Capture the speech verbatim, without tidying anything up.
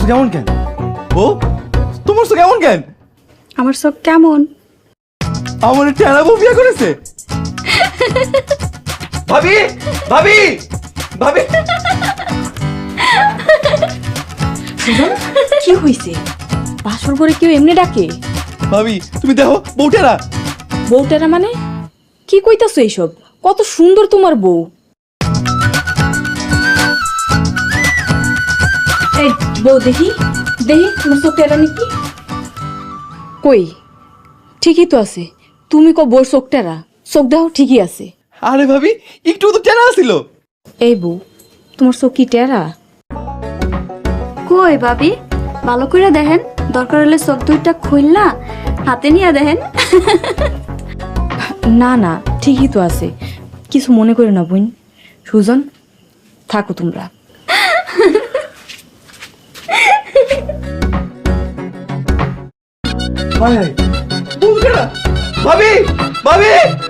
কেমন কেন ও তোমার চোখ এমন কেন? আমার চোখ কেমন? আমার টেনা বউ বিয়ে করেছে। ভাবি ভাবি ভাবি কি হইছে? বাসর করে কেউ এমনি ডাকে? ভাবি তুমি দেখো বউটেরা। বউটারা মানে কি কইতাছো এইসব? কত সুন্দর তোমার বউ। এই বউ দেখি দেখি তোমার চোখটা নাকি কই? ঠিকই তো আছে। তুমি কো বউর চোখটারা? চোখ দাও ঠিকই আছে। আরে ভাবি একটু তো টেনা ছিল। এই বউ তোমার চোখ কি টেরা? কই ভাবি ভালো করে দেখেন, দরকার হলে চোখ দুইটা খুললা হাতে নিয়ে দেখেন। না না ঠিকই তো আছে, কিছু মনে করে না বোন। সুজন থাকো তোমরা। ভাই বউটেরা ভাবি ভাবি